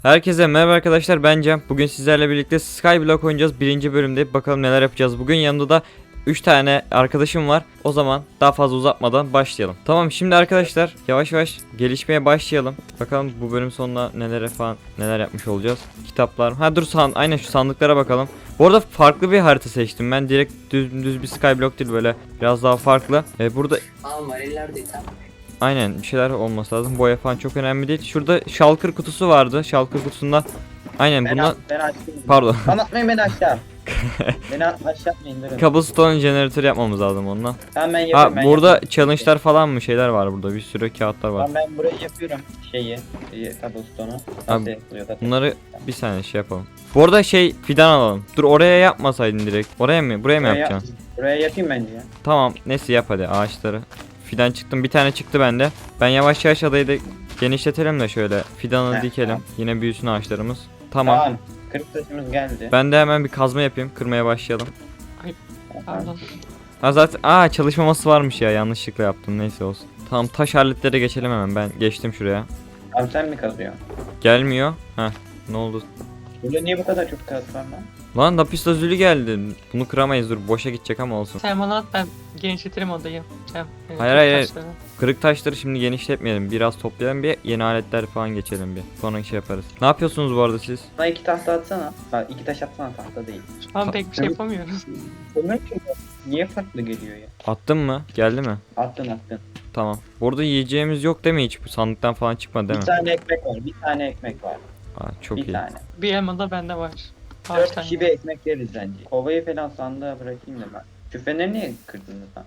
Herkese merhaba arkadaşlar, ben Cem. Bugün sizlerle birlikte Skyblock oynayacağız. Birinci bölümde bakalım neler yapacağız. Bugün yanımda da 3 tane arkadaşım var. O zaman daha fazla uzatmadan başlayalım. Tamam, şimdi arkadaşlar yavaş yavaş gelişmeye başlayalım. Bakalım bu bölüm sonunda neler yapmış olacağız. Kitaplar. Ha dur, aynen şu sandıklara bakalım. Bu arada farklı bir harita seçtim. Ben direkt düz bir Skyblock değil, böyle biraz daha farklı. Burada aynen bir şeyler olması lazım. Boya falan çok önemli değil. Şurada shulker kutusu vardı. Shulker kutusunda aynen bunlar. Ben açtım. Pardon. Anlatmayın beni aşağı. Beni aşağı atmayın durun. Cobblestone generator yapmamız lazım onunla. Tamam ben Ha yapıyorum. Ben burada yapıyorum. challenge'lar falan mı şeyler var burada. Bir sürü kağıtlar var. Tamam ben burayı yapıyorum. Cobblestone'u. Abi, Nasıl yapılıyor zaten? Bunları bir saniye şey yapalım. Bu arada fidan alalım. Dur, oraya yapmasaydın direkt. Oraya mı? Buraya mı yapacaksın? Buraya yapayım bence ya. Tamam, neyse yap hadi ağaçları. Fidan çıktım. Bir tane çıktı bende. Ben yavaş yavaş adayı da genişletelim de şöyle fidanı Heh, dikelim. tamam. Yine büyüsün ağaçlarımız. Tamam. Tamam. 40 taşımız geldi. Ben de hemen bir kazma yapayım. Kırmaya başlayalım. Pardon. Ha zaten çalışmaması varmış ya, yanlışlıkla yaptım, neyse olsun. Tamam, taş aletlere geçelim hemen. Ben geçtim şuraya. Abi sen mi kazıyorsun? Gelmiyor. Ha, ne oldu? Burada niye bu kadar çok kağıt var lan? Lan lapis lazuli geldi. Bunu kıramayız, dur boşa gidecek ama olsun. Sen bana at, ben genişletirim odayı. Hayır. Kırık taşları şimdi genişletmeyelim. Biraz toplayalım, bir yeni aletler falan geçelim bir. Sonra şey yaparız. Ne yapıyorsunuz bu arada siz? Bana 2 tahta atsana. Ha 2 taş atsana, tahta değil. Şu an pek bir şey yapamıyoruz. Kömür ki niye farklı geliyor ya? Attın mı? Geldi mi? Attın. Tamam. Burada yiyeceğimiz yok değil mi hiç? Bu sandıktan falan çıkmadı değil Bir mi? tane ekmek var. Bir tane ekmek var. Çok bir iyi. tane. Bir elma da bende var. 4 Ağaçtan. kişi bir ekmek yeriz bence. Kovayı falan sandığa bırakayım da ben. Şu feneri niye kırdınız lan?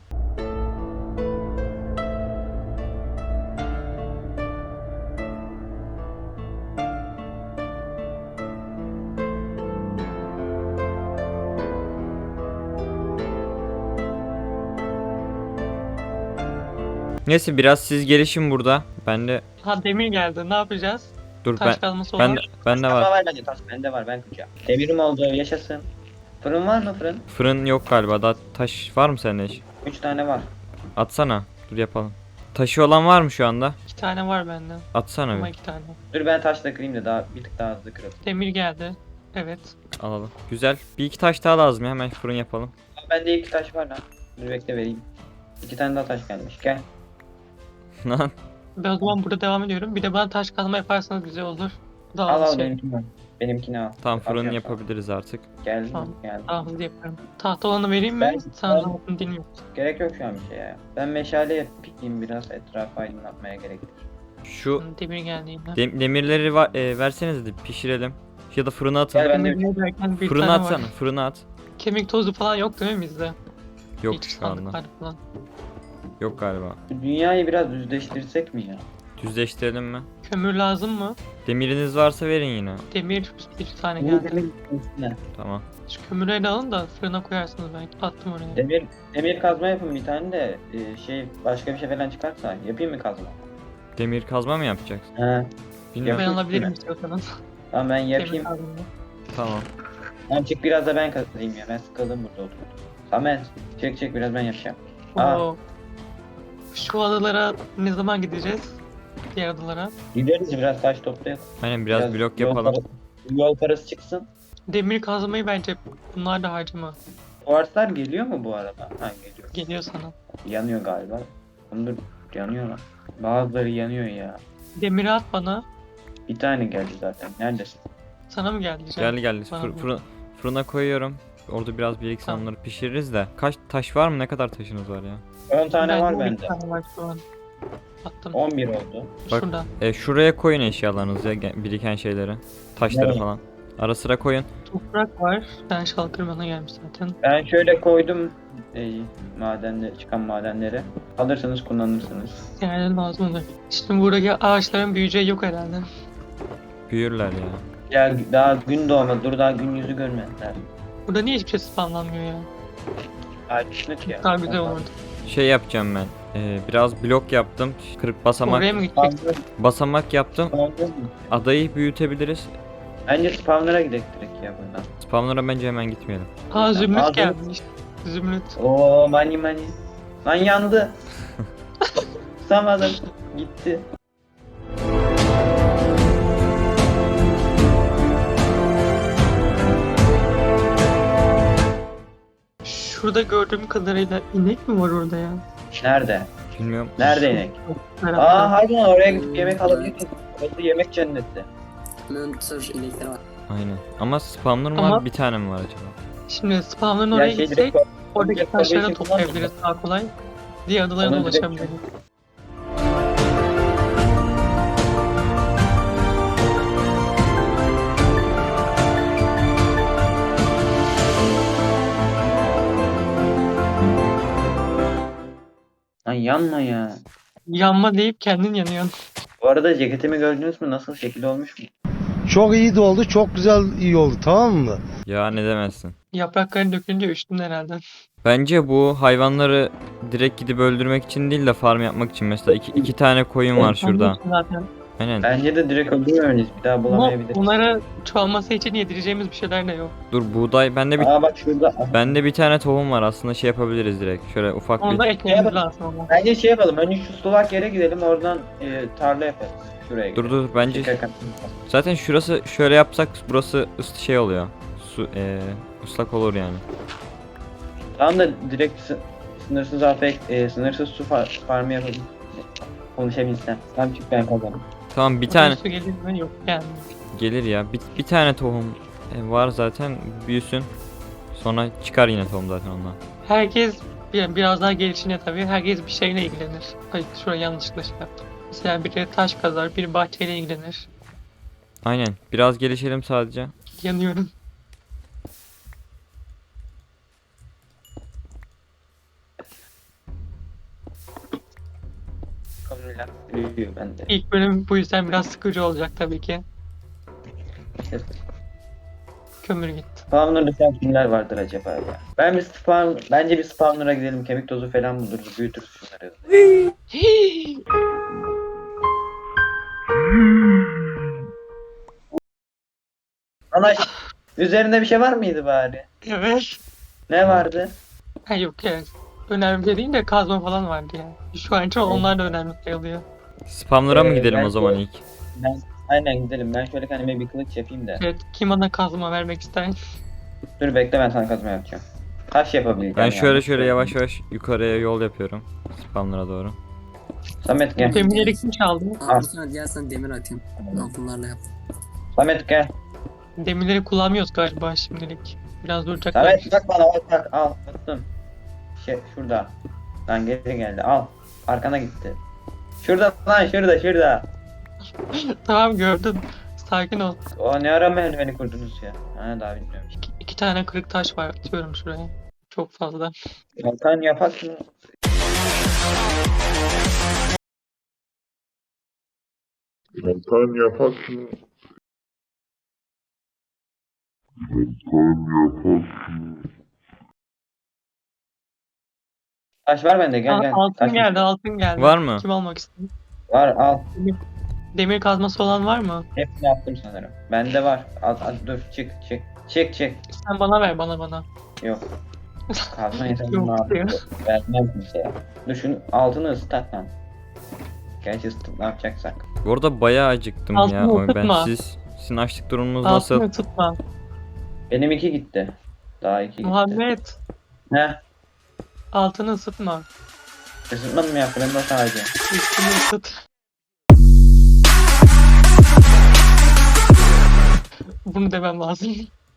Neyse biraz siz gelişin burada. Ben de Ha, demir geldi, ne yapacağız? dur Taş kazması ben olur. bende Ama var. var bende taş, bende var, ben kıracağım. Demirim oldu, yaşasın. Fırın var mı fırın? Fırın yok galiba. Daha taş var mı sende hiç? 3 tane var. Atsana. Dur yapalım. Taşı olan var mı şu anda? 2 tane var bende. Atsana Ama bir. 2 tane. Dur ben taşla kırayım da daha bir tık daha hızlı kıralım. Demir geldi. Evet. Alalım. Güzel. Bir iki taş daha lazım ya. Hemen fırın yapalım. Bende 2 taş var lan. Dur bekle vereyim. 2 tane daha taş gelmiş, gel. Lan. Ben o zaman burada devam ediyorum. Bir de bana taş kazma yaparsanız güzel olur. Daha Al az al şey. benimkini al. Benimkini al. Tamam, fırın Atıyorum yapabiliriz artık. sana. Geldim Tamam. geldim. Daha hızlı yaparım. Tahta olanı vereyim mi? Ben- Sana ben- zaten dinliyorum. Gerek yok şu an bir şey ya. Ben meşale yapayım, biraz etrafı aydınlatmaya gerektir. Şu Demir geldi yine. demirleri verseniz de pişirelim. Ya da fırına atın. Gel ben de Demir derken bir Fırına tane atsana. var. Fırına at. Kemik tozu falan yok değil mi bizde? Yok Hiç şu anda. sandıklar falan. Yok galiba. Dünyayı biraz düzleştirsek mi ya? Düzleştirelim mi? Kömür lazım mı? Demiriniz varsa verin yine. Demir bir tane Bu geldi. demir üstüne. Tamam. Şu kömürleri de alın da fırına koyarsınız belki. Attım oraya. Demir kazma yapın bir tane de başka bir şey falan çıkarsa yapayım mı kazma? Demir kazma mı yapacaksın? He. Ben Bilmiyorum. Yapayım alabilirim mi? istiyorsanız. Tamam ben Demir yapayım. kazma. Tamam. Tamam çık biraz da ben kazayım ya. Ben sıkıldım burada oturup. Samet çık biraz ben yapacağım. Aa. Oo. Şu adalara ne zaman gideceğiz? Diğer adalara. Gideriz biraz taş toplayalım. Aynen biraz blok yol yapalım. Yol parası çıksın. Demir kazmayı bence bunlar da harcama. Kuarslar geliyor mu bu arada? Ha geliyor. Geliyor sana. Yanıyor galiba. Ondur yanıyor lan. Bazıları yanıyor ya. Demiri at bana. Bir tane geldi zaten. Neredesin? Sana mı geldi? Can? Geldi. Bana mı? Fırına koyuyorum. Orada biraz birikse Tamam. onları pişiririz de. Kaç taş var mı? Ne kadar taşınız var ya? 10 tane var 12 bende. tane var şu an. Attım. 11 oldu. Bak. Şurada. Şuraya koyun eşyalarınızı ya, biriken şeyleri. Taşları Nereye? falan. Ara sıra koyun. Toprak var. Ben şalkır bana gelmiş zaten. Ben şöyle koydum çıkan madenleri. Alırsanız kullanırsınız. Yani lazım olur. Şimdi buradaki ağaçların büyüyeceği yok herhalde. Büyürler ya. Ya daha gün doğmadı. Dur daha gün yüzü görmediler. Burada niye hiçbir şey spawnlanmıyor ya? Açlık ya. Daha güzel olurdu. Şey yapacağım ben. Biraz blok yaptım. Kırık basamak Oraya mı gideceksin? basamak yaptım. Spawner mı? Adayı büyütebiliriz. Bence spawner'a gidelim direkt ya buradan. Spawnlara bence hemen gitmeyelim. Aa, zümrüt Ağzını- gelmiş. Zümrüt. Oo mani. Lan yandı. Tutamadım. Gitti. şurada gördüğüm kadarıyla inek mi var orada ya? Nerede? Bilmiyorum. Nerede inek? Merak Aa ettim. harbiden oraya gidip yemek alabiliriz. Orası yemek cenneti. Mönter inekleri var. Aynen. Ama spawner mı var? Ama- Bir tane mi var acaba? Şimdi spawn'ın Ya oraya şey gitsek direkt oradaki direkt taşları oraya toplayabiliriz daha kolay. Diğer adalara Onu direkt- ulaşabiliriz. Lan yanma ya. Yanma deyip kendin yanıyorsun. Bu arada ceketimi gördünüz mü? Nasıl şekil olmuş mu? Çok iyi de oldu, çok güzel iyi oldu, tamam mı? Ya ne demezsin. Yaprakların dökülünce üşüdün herhalde. Bence bu hayvanları direkt gidip öldürmek için değil de farm yapmak için. Mesela iki tane koyun var şurada. Anlıyorsun zaten. Aynen. Bence de direkt öldürmemeliyiz. Bir daha Ama bulamayabiliriz. onlara çoğalması için yedireceğimiz bir şeyler de yok. Dur buğday. Aa bak şurada. Bende bir tane tohum var. Aslında şey yapabiliriz direkt. Şöyle ufak Onu da bir. ekmemiz lazım ama. Bence şey yapalım. Önce şu sulak yere gidelim. Oradan tarla yaparız. Şuraya Dur gidelim. dur bence Şeker kat- zaten şurası şöyle yapsak burası şey oluyor. Su ıslak olur yani. Tamam da direkt sınırsız afek, sınırsız su farmı yapalım. Konuşabilsem. Tamam çık ben kazanım. Tamam bir tane Su gelir mi? Yok yani. gelir ya. Bir tane tohum var zaten büyüsün. Sonra çıkar yine tohum zaten ondan. Herkes biraz daha gelişine tabii. Herkes bir şeyle ilgilenir. Ay şuraya yanlışlıkla şey yaptım. Mesela biri taş kazar, biri bahçeyle ilgilenir. Aynen. Biraz gelişelim sadece. Yanıyorum. Konuyla büyüyor bende. İlk bölüm bu yüzden biraz sıkıcı olacak tabii ki. Kömür gitti. Spawner'da şu an kimler vardır acaba ya? Bence bir spawner'a gidelim. Kemik tozu falan buluruz. Büyütürüz şunları. Ana üzerinde bir şey var mıydı bari? Evet. Ne vardı? Ha yok ya. Önemli bir şey değil de kazma falan vardı ya. Şu an için onlar da önemli sayılıyor. Spamlara mı gidelim ben o zaman de- ilk? Aynen gidelim. Ben şöyle kendime bir kılıç yapayım da. Evet, kim bana kazma vermek ister? Dur bekle ben sana kazma yapacağım. Taş yapabileceğim. Ben şöyle yani. şöyle yavaş yavaş yukarıya yol yapıyorum. Spamlara doğru. Samet gel. Demirleri kim çaldı? Al sana diğer sana demir atayım. Altınlarla yap. Samet gel. Demirleri kullanmıyoruz galiba şimdilik. Biraz duracaklar. Samet bak bana bak al attım. Şurada. Lan geri geldi al. Arkana gitti. Şurada lan şurada. Tamam gördüm. Sakin ol. O ne ara merdiveni kurdunuz ya? Ha daha bilmiyorum. İki tane kırık taş var. Atıyorum şuraya. Çok fazla. Kalkan yapak mı? Kalkan yapak mı? Taş var bende gel gel. Altın Taş geldi, altın geldi. Var mı? Kim almak istiyor? var al. Demir kazması olan var mı? Hepsini attım sanırım. Bende var. Al dur çık. Sen bana ver, bana. Yok. Kazma yeter Yok ne yapayım? diyor. Vermem kimseye. Dur şunu altını ısıtak lan. Gerçi ısıtıp ne yapacaksak. Bu arada bayağı acıktım Altını ya. Ben ısıtma. sizin açlık durumunuz nasıl? Altını tutma. Benim 2 gitti. Daha 2 gitti. Muhammed, Ne? altını ısıtma. Isıtmadım mı yaptı? Ben de sadece. Üstünü ısıt. Bunu demem lazım.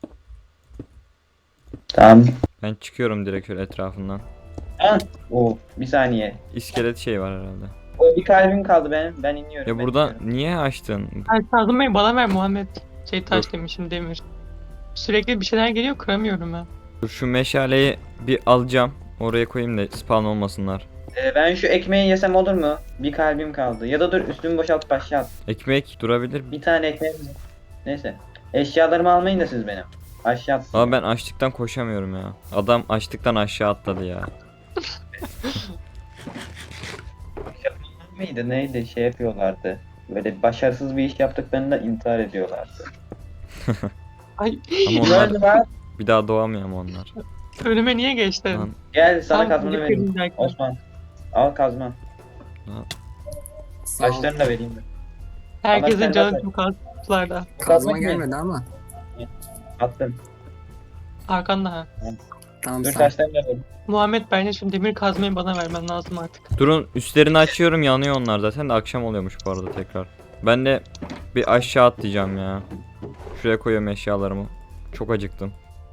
Tamam. Ben çıkıyorum direkt şöyle etrafından. Ha? Oo, bir saniye. İskelet şey var herhalde. O bir kalbim kaldı benim. Ben iniyorum. Ya ben buradan iniyorum. niye açtın? Ay kazmayı bana ver Muhammed. Taş Dur. demişim, demir. Sürekli bir şeyler geliyor, kıramıyorum ben. Dur şu meşaleyi bir alacağım. Oraya koyayım da spawn olmasınlar. Ben şu ekmeği yesem olur mu? Bir kalbim kaldı. Ya da dur üstümü boşaltıp aşağı at. Ekmek durabilir. Bir tane ekmeğim var. Neyse. Eşyalarımı almayın da siz benim. Aşağı at. Ama ben açlıktan koşamıyorum ya. Adam açlıktan aşağı atladı ya. Mıydı neydi şey yapıyorlardı. Böyle başarısız bir iş yaptıklarında intihar ediyorlardı. Ay Ama Kim onlar öldü lan? bir daha doğamıyor ama onlar. önüme niye geçtin? Lan, Gel sana Sanki kazmanı vereyim. kırılacaktım. Osman. Al kazma. Sağ ol. Taşlarını da vereyim. Herkesin sen canı bak- çok az kutularda. Kazma Kazma gelmedi ama. Attım. Arkanda ha. Tamam Dur sağ ol. taşlarını da vur. Muhammed bence şu demir kazmayı bana vermen lazım artık. Durun, üstlerini açıyorum, yanıyor onlar zaten de akşam oluyormuş bu arada tekrar. Ben de bir aşağı atlayacağım ya. Şuraya koyuyorum eşyalarımı. Çok acıktım.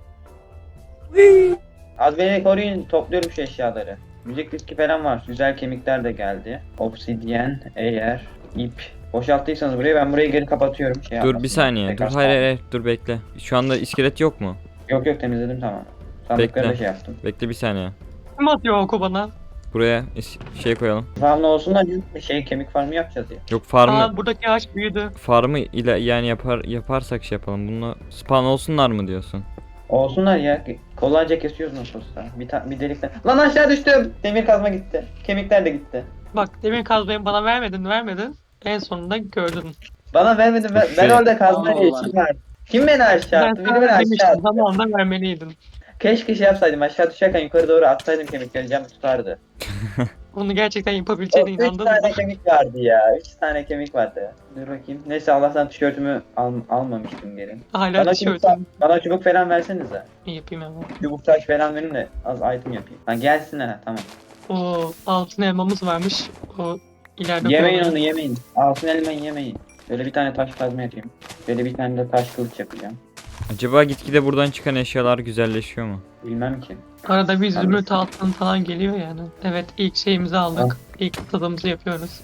Az beni koruyun, topluyorum şu eşyaları. Müzik diski falan var. Güzel kemikler de geldi. Obsidyen, eğer, ip. Boşalttıysanız burayı, ben burayı geri kapatıyorum. Şey Dur bir yapmasın. saniye. Dur Tekrar hayır hayır hayır. Dur bekle. Şu anda iskelet yok mu? Yok yok, temizledim tamam. Sandıkları da Bekle. şey yaptım. Bekle bir saniye. Kim atıyor oku bana? Buraya şey koyalım. Farmlı olsun da şey, kemik farmı yapacağız ya. Yok farmı Aa buradaki ağaç büyüdü. farmı ile yani yaparsak şey yapalım. Bunu spawn olsunlar mı diyorsun? Olsunlar ya. Kolayca kesiyoruz nasıl olsa. Bir delikten. Lan aşağı düştüm. Demir kazma gitti. Kemikler de gitti. Bak demir kazmayı bana vermedin. En sonunda gördün. Bana vermedin. Ben Şey- orada kazma diye Allah. işim var. Kim beni aşağı Ben attı? Biri sana beni aşağı demiştim attı. zamanında vermeliydin. Keşke şey yapsaydım. Aşağı düşerken yukarı doğru atsaydım, kemikleri cam tutardı. Bunu gerçekten yapabileceğine 3 inandın tane mı? kemik vardı ya. 3 tane kemik vardı. Dur bakayım. Neyse Allah'tan tişörtümü Hala almamıştım geri. Bana çubuk, tişörtüm. bana çubuk falan versenize. Yapayım hemen. Çubuk taş falan verin de az item yapayım. Ha gelsinler ha, tamam. O altın elmamız varmış. O ileride Yemeyin kullanırım. onu, yemeyin. Altın elmayı yemeyin. Böyle bir tane taş kazma yapayım. Böyle bir tane de taş kılıç yapacağım. Acaba gitgide buradan çıkan eşyalar güzelleşiyor mu? Bilmem ki. Arada bir zümrüt altın falan geliyor yani. Evet ilk şeyimizi aldık. İlk tadımızı yapıyoruz.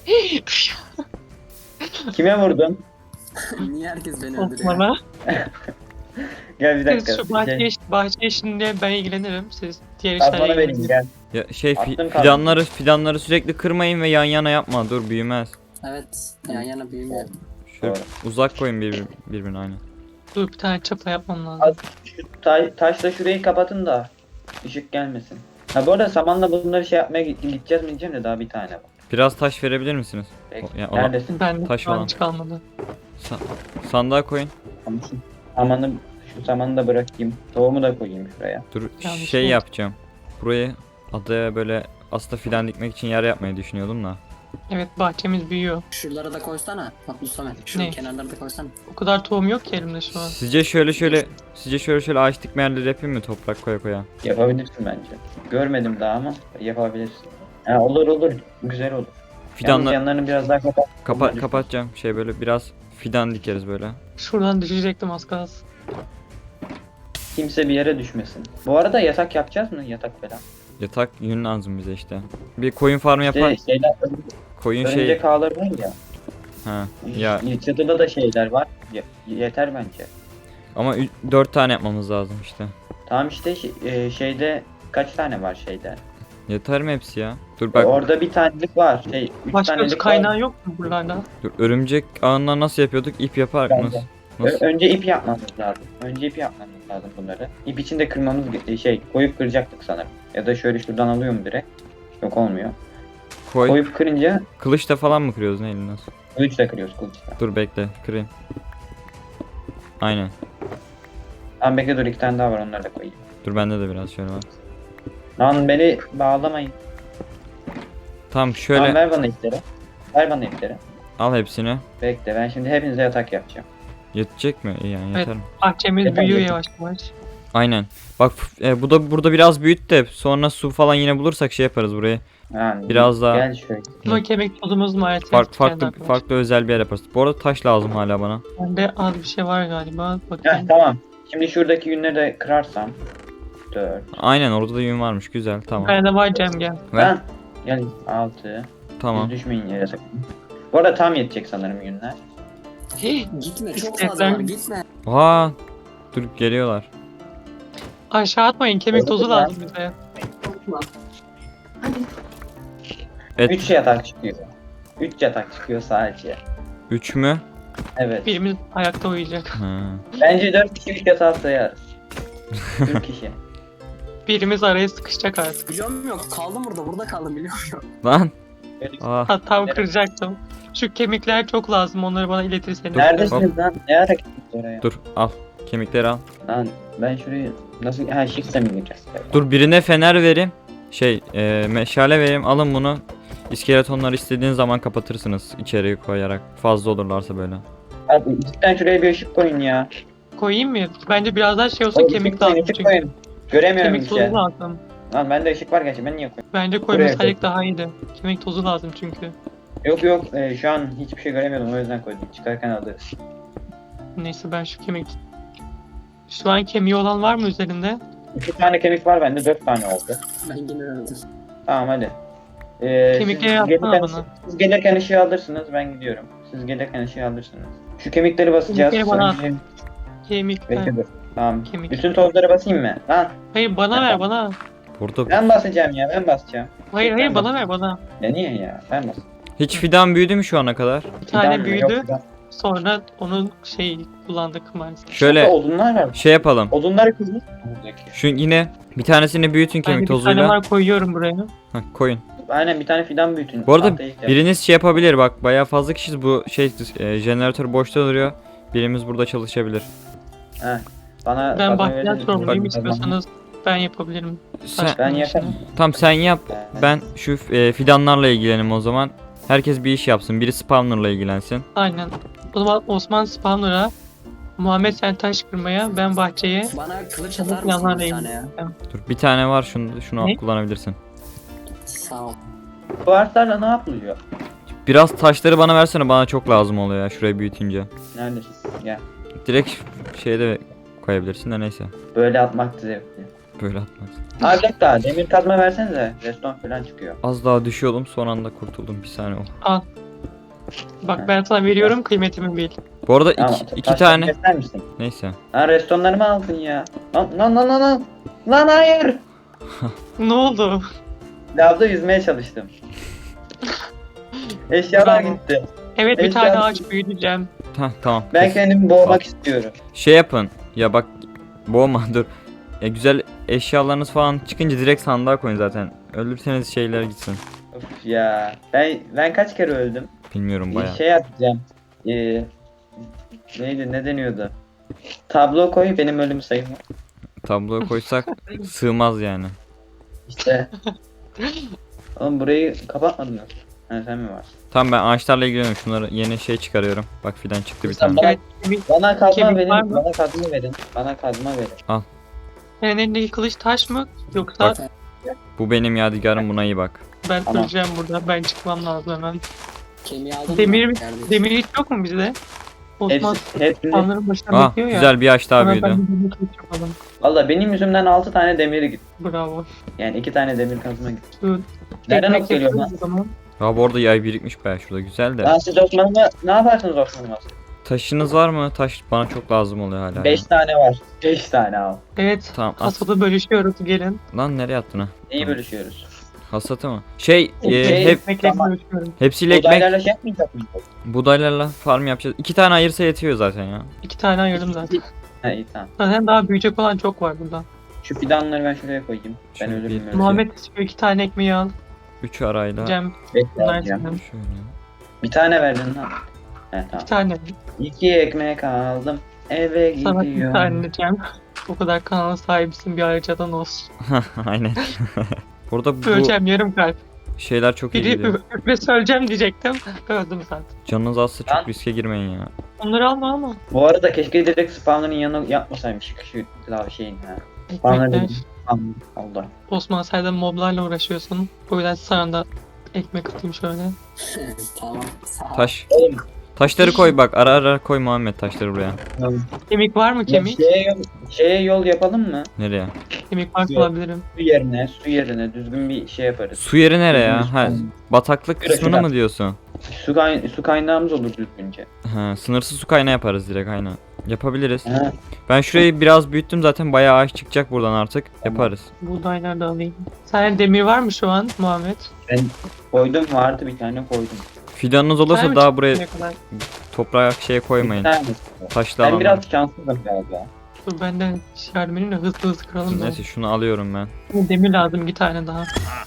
Kime vurdun? Niye herkes beni öldürüyor? Osman'a. Gel bir dakika. Siz şu bahçe işinde ben ilgilenirim. Siz diğer Kazmanı işlerle vereyim ilgilenin. gel. Ya şey Attım kaldı. fidanları sürekli kırmayın ve yan yana yapma. Dur büyümez. Evet yan yana büyümüyor. Şöyle Doğru. uzak koyun birbirine aynı. Dur bir tane çapa yapmam lazım. Az şu taşla şurayı kapatın da ışık gelmesin. Ha bu arada samanla bunları şey yapmaya gideceğiz mi diyeceğim de daha bir tane var. Biraz taş verebilir misiniz? Peki. Ya, ona- Neredesin? Ben Taş şu an olan. hiç kalmadı. Sandığa koyun. Tamam. Samanı, şu samanı da bırakayım. Tohumu da koyayım şuraya. Dur Yanlış şey oldu. yapacağım. Burayı adaya böyle aslında fidan dikmek için yer yapmayı düşünüyordum da. Evet bahçemiz büyüyor. Şuralara da koysana. Bak Mustafa. Şu Ne? kenarlara da koysana. O kadar tohum yok ki elimde şu an. Sizce şöyle ağaç dikme yerleri yapayım mı toprak koya koya? Yapabilirsin bence. Görmedim daha ama yapabilirsin. Ha, olur olur. Güzel olur. Yalnız Fidanla yanlarını biraz daha kapat. kapatacağım. Şey böyle biraz fidan dikeriz böyle. Şuradan düşecektim az kalsın. Kimse bir yere düşmesin. Bu arada yatak yapacağız mı? Yatak falan. Yatak yün lazım bize işte. Bir koyun farmı İşte yapar. şeyler, Koyun şey. örümcek ağları var ya. Ha. Ya Çatıda da şeyler var. Yeter bence. ama 4 tane yapmamız lazım işte. Tamam işte şeyde kaç tane var şeyde? Yeter mi hepsi ya? Dur bak. Orada bir tanelik var. 3 Başka bir tanelik kaynağı var. yok mu buralarda? Dur, örümcek ağından nasıl yapıyorduk? İp yapar Bence. nasıl? Nasıl? Önce ip yapmamız lazım. Önce ip yapmamız lazım bunları. İp için de kırmamız koyup kıracaktık sanırım. Ya da şöyle şuradan alıyor mu direkt? Yok olmuyor. Koy. Koyup kırınca Kılıçla falan mı kırıyoruz neyle nasıl? kılıçla kırıyoruz kılıçla. Dur bekle kırayım. Aynen. Tamam bekle dur, 2 tane daha var, onları da koyayım. Dur bende de biraz şöyle var. Lan beni bağlamayın. Tamam şöyle Tamam ver bana ipleri. Ver bana ipleri. al hepsini. Bekle ben şimdi hepinize yatak yapacağım. Yetecek mi? İyi yani Evet. yeter mi? Bahçemiz Yeter, büyüyor yeter. yavaş yavaş. Aynen. Bak bu da burada biraz büyüt de sonra su falan yine bulursak şey yaparız burayı. Yani Biraz daha- Gel şöyle. Ama kemik tozumuz maalesef. Farklı özel bir yer yaparız. Bu arada taş lazım hala bana. Bende az bir şey var galiba. Heh, Bakayım. tamam. Şimdi şuradaki günleri de kırarsam. 4. Aynen orada da yün varmış. Güzel tamam. Bende var Cem gel. Ver. Lan. Gel 6. Tamam. Düşmeyin yere sakın. Bu arada tam yetecek sanırım günler. Gitme çok İstekler- fazla var gitme. Aa, dur geliyorlar. Aşağı atmayın kemik tozu Olur ya. lazım bize. Et 3 yatak çıkıyor. 3 yatak çıkıyor sadece. 3 mü? Evet. Birimiz ayakta uyuyacak. Ha. Bence 4 kişilik yatağı sayarız. 4 kişi. Birimiz araya sıkışacak artık. Biliyorum yok kaldım burada kaldım biliyor musun? Lan. Böyle- Aa, Tam kıracaktım. Şu kemikler çok lazım. Onları bana iletirseniz. Neredesiniz lan? Ne ara gittiniz oraya? dur al. Kemikleri al. Lan ben şurayı nasıl... Ha shift'e mi gireceğiz? Dur birine fener vereyim. Meşale vereyim. Alın bunu. İskeletonları istediğin zaman kapatırsınız içeriye koyarak. Fazla olurlarsa böyle. Abi cidden şuraya bir ışık koyun ya. Koyayım mı? Bence biraz daha şey olsa Oğlum, kemik ışık koyun, lazım ışık çünkü. koyun. Göremiyorum Kemik bir şey. tozu lazım. Lan bende ışık var gerçi ben niye koyayım? Bence Buraya koymasaydık daha iyiydi. Kemik tozu lazım çünkü. Yok şu an hiçbir şey göremiyordum o yüzden koydum. Çıkarken alırız. Neyse ben şu kemik... Şu an kemiği olan var mı üzerinde? 2 tane kemik var bende 4 tane oldu. Ben yine öldüm. Tamam hadi. Kemikleri siz yapsana gelirken, bana. siz gelirken ışığı alırsınız ben gidiyorum. Siz gelirken ışığı alırsınız. Şu kemikleri basacağız. Kemikleri bana Sonra- Kemik Bekle ver. dur. Tamam. Kemik. Bütün tozları basayım mı? Lan Hayır bana ver bana. Burada ben basacağım ya ben basacağım. Hayır Ben bana ver bana. Ya niye ya? Ben basacağım. hiç fidan büyüdü mü şu ana kadar? Bir tane Fidan mı? büyüdü. Yok, fidan. Sonra onun kullandık maalesef. Şöyle Burada odunlar var. şey yapalım. Odunları kızmış. Buradaki. Şu yine bir tanesini büyütün Ben kemik de bir tane tozuyla. var koyuyorum buraya. Hah, koyun. Aynen bir tane fidan büyütün. Bu arada Tahtaya ihtiyacım. biriniz şey yapabilir bak bayağı fazla kişiyiz bu jeneratör boşta duruyor. Birimiz burada çalışabilir. Heh. Bana Ben kazma bahçeden verelim. sorumluyum Bak, istiyorsanız ben yapabilirim. Sen, Taş Ben koyma yaparım. işini. tam sen yap. Ben şu fidanlarla ilgilenim o zaman. Herkes bir iş yapsın. Biri spawner'la ilgilensin. Aynen. O zaman Osman Spawner'a, Muhammed sen taş kırmaya, ben bahçeye. Bana kılıç Çabuk atar mısın bir yanlardayım. tane ya? Dur bir tane var şunu Ne? kullanabilirsin. Sağ ol. Bu ağaçlarla ne yapılıyor? Biraz taşları bana versene bana çok lazım oluyor ya şurayı büyütünce. Neredesin? Gel. Direkt şeyde koyabilirsin de neyse. Böyle atmak zevkli. Böyle atmaz. Abi bir daha demir kazma versenize. Reston falan çıkıyor. Az daha düşüyordum son anda kurtuldum bir saniye. Oh. Bak ben sana veriyorum kıymetimi bil. Bu arada Tamam, iki taşları tane keser misin? neyse. Lan restonlarımı aldın ya. Lan. Lan hayır. Ne oldu? Lavda yüzmeye çalıştım. Eşyalar Bravo. gitti. Evet bir Eşya- tane ağaç büyüteceğim. Tamam. Ben kendimi boğmak istiyorum. Şey yapın. Ya bak boğma dur. Güzel eşyalarınız falan çıkınca direkt sandığa koyun zaten. Öldürseniz şeyler gitsin. Of ya. Ben kaç kere öldüm? Bilmiyorum bayağı. Şey yapacağım. Neydi ne deniyordu? Tablo koy benim ölüm sayımı. Tabloya koysak sığmaz yani. İşte. Oğlum burayı kapatmadınız. Ha sen mi varsın? Tamam ben ağaçlarla ilgileniyorum. Şunları yeni şey çıkarıyorum. Bak fidan çıktı bir tane. Bana, Evet, bana kazma Kemik verin. var mı? Bana kazma verin. Bana kazma verin. senin elindeki kılıç taş mı? Yoksa Bak. Bu benim yadigarım buna iyi bak. ben Tamam. öleceğim burada. Ben çıkmam lazım hemen. Kemiği aldın Demir mı? mi? Neredesin? Demir hiç yok mu bizde? Osman Hepsini. Osmanlıların başına Ah bekliyor ya. güzel bir ağaç daha Sonra büyüdü. ben de demir kılıç yapalım. Valla benim yüzümden 6 tane demiri gitti. Bravo. Yani 2 tane demir kazma gitti. Şu Nereden ekmek ok geliyor lan? yapıyoruz o zaman. Ya bu arada yay birikmiş bayağı şurada güzel de. Lan siz Osman'ıma ne yaparsınız Osman'ıma? Taşınız var mı? Taş bana çok lazım oluyor hala. 5 tane var. 5 tane al. Evet. Tamam at. Hasadı bölüşüyoruz gelin. Lan nereye attın ha? Neyi Tamam. bölüşüyoruz? Hasatı mı? Şey Şey- Ekmekle tamam. bölüşüyoruz. hepsiyle ekmek Odaylarla şey yapmayacak mıyız? buğdaylarla farm yapacağız. 2 tane ayırsa yetiyor zaten ya. 2 tane ayırdım zaten. He iyi tamam. Zaten daha büyüyecek olan çok var burada. Şu fidanları ben şuraya koyayım. Ben Şöyle ölürüm bir- öyle. Muhammed şu 2 tane ekmeği al. 3 arayla Cem Bekle versin. alacağım. şöyle. Bir tane verdin lan. He tamam. 2 tane. 2 ekmek aldım. Eve Sana bir gidiyorum. tane Cem. O kadar kanalın sahibisin bir ayrıcadan olsun. Aynen. Burada bu Öleceğim yarım kalp. şeyler çok iyi Biri gidiyor. üfle söyleyeceğim diyecektim. Öldüm zaten. Canınız azsa Lan. çok riske girmeyin ya. Onları alma. Bu arada keşke direkt spawnların yanına yapmasaymış şu lav şeyin ha. Spawnları Ekmekler. Tamam, oldu. Osman sen de moblarla uğraşıyorsun. O yüzden sana da ekmek atayım şöyle. Tamam. Sağ ol. Taş. Oğlum Taşları koy bak ara ara koy Muhammed taşları buraya. Kemik var mı kemik? Şeye yol yapalım mı? Nereye? Kemik var Yok. alabilirim. Su yerine düzgün bir şey yaparız. Su yeri nereye ya? Ha, bataklık Şurada, kısmını şurada. mı diyorsun? Su kaynağımız olur düzgünce. Ha, sınırsız su kaynağı yaparız direkt aynen. Yapabiliriz. Ha, Ben şurayı biraz büyüttüm zaten bayağı ağaç çıkacak buradan artık. Yaparız. Buğdaylar da alayım. Sen demir var mı şu an Muhammed? koydum vardı bir tane koydum. Fidanınız olursa Sen mi daha çıktın buraya ne kadar? toprağa şey Bir koymayın. tane. Taşlı Ben alanlar. biraz şanssızım galiba. Dur benden şarmeninle hızlı kıralım da. Neyse şunu alıyorum ben. Demir lazım 2 tane daha.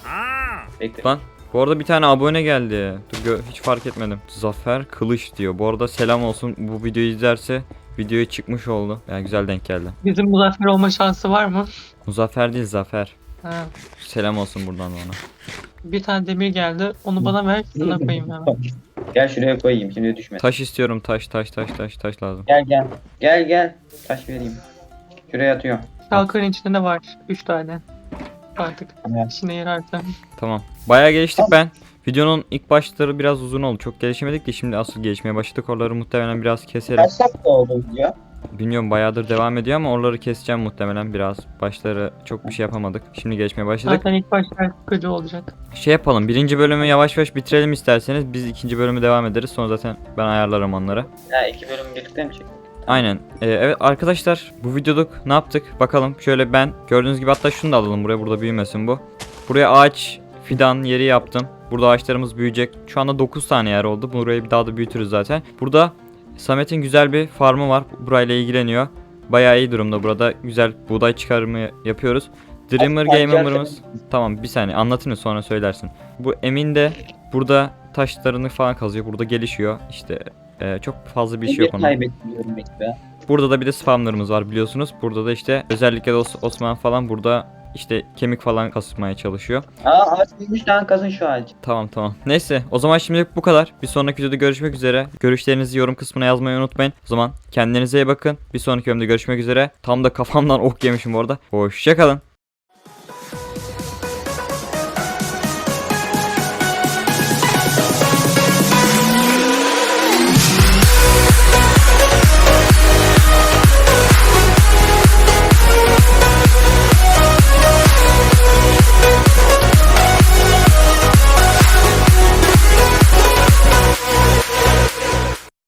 Bekle. Lan bu arada bir tane abone geldi. Dur hiç fark etmedim. Zafer Kılıç diyor. Bu arada selam olsun. Bu videoyu izlerse videoya çıkmış oldu. Yani güzel denk geldi. Bizim muzaffer olma şansı var mı? Muzaffer değil Zafer. Ha. Selam olsun buradan da ona. Bir tane demir geldi. Onu bana ver. Sana koyayım hemen. Gel şuraya koyayım şimdi düşme. Taş istiyorum taş lazım. Gel. Taş vereyim. Şuraya atıyorum. Şalkarın içinde de var 3 tane. Artık Evet. işine yararsa. Tamam. Bayağı geliştik ben. Videonun ilk başları biraz uzun oldu. Çok gelişemedik de şimdi asıl gelişmeye başladık. Oraları muhtemelen biraz keserim. Kaç dakika oldu video? Bilmiyorum bayağıdır devam ediyor ama oraları keseceğim muhtemelen biraz. Başları çok bir şey yapamadık. Şimdi gelişmeye başladık. Zaten ilk başlar sıkıcı olacak. Şey yapalım. Birinci bölümü yavaş yavaş bitirelim isterseniz. Biz ikinci bölümü devam ederiz. Sonra zaten ben ayarlarım onları. Ha 2 bölüm birlikte mi çektik? Aynen. Evet arkadaşlar bu videoluk ne yaptık? Bakalım şöyle ben gördüğünüz gibi hatta şunu da alalım buraya. Burada büyümesin bu. Buraya ağaç fidan yeri yaptım. Burada ağaçlarımız büyüyecek. Şu anda 9 tane yer oldu. Burayı bir daha da büyütürüz zaten. Burada Samet'in güzel bir farmı var. Burayla ilgileniyor. Bayağı iyi durumda burada. Güzel buğday çıkarımı yapıyoruz. Dreamer Gamer'ımız. Tamam bir saniye anlatayım sonra söylersin. Bu Emin de burada taşlarını falan kazıyor. Burada gelişiyor. İşte çok fazla bir şey yok onun. Kaybetmiyorum bekle. Burada da bir de spamlarımız var biliyorsunuz. Burada da işte özellikle de Osman falan burada işte kemik falan kasmaya çalışıyor. Ağaç büyümüş lan kazın şu ağacı. Tamam. Neyse o zaman şimdilik bu kadar. Bir sonraki videoda görüşmek üzere. Görüşlerinizi yorum kısmına yazmayı unutmayın. O zaman kendinize iyi bakın. Bir sonraki bölümde görüşmek üzere. Tam da kafamdan ok yemişim bu arada. Hoşçakalın.